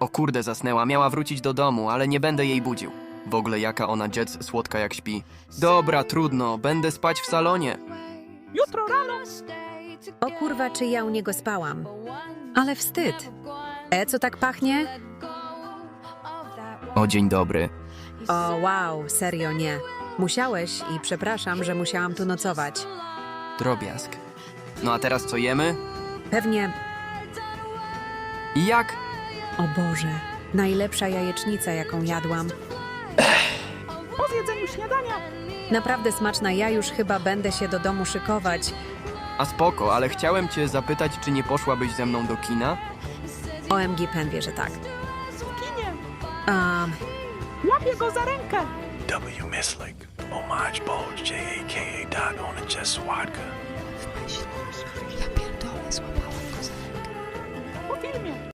O kurde, zasnęła. Miała wrócić do domu, ale nie będę jej budził. W ogóle jaka ona Jets słodka jak śpi. Dobra, trudno. Będę spać w salonie. Jutro rano. O kurwa, czy ja u niego spałam. Ale wstyd. Co tak pachnie? O, dzień dobry. O, wow, serio nie. Musiałeś i przepraszam, że musiałam tu nocować. Drobiazg. No a teraz co jemy? Pewnie, I jak? o Boże, najlepsza jajecznica, jaką jadłam. Po zjedzeniu śniadania. Naprawdę smaczna, ja już chyba będę się do domu szykować. A spoko, ale chciałem cię zapytać, czy nie poszłabyś ze mną do kina? OMG, Pen wie, że tak. W kinie. Łapię go za rękę. W. Mislik, Homage Bulge, J.A.K.A. Dot on a Jess Swadka. Po filmie.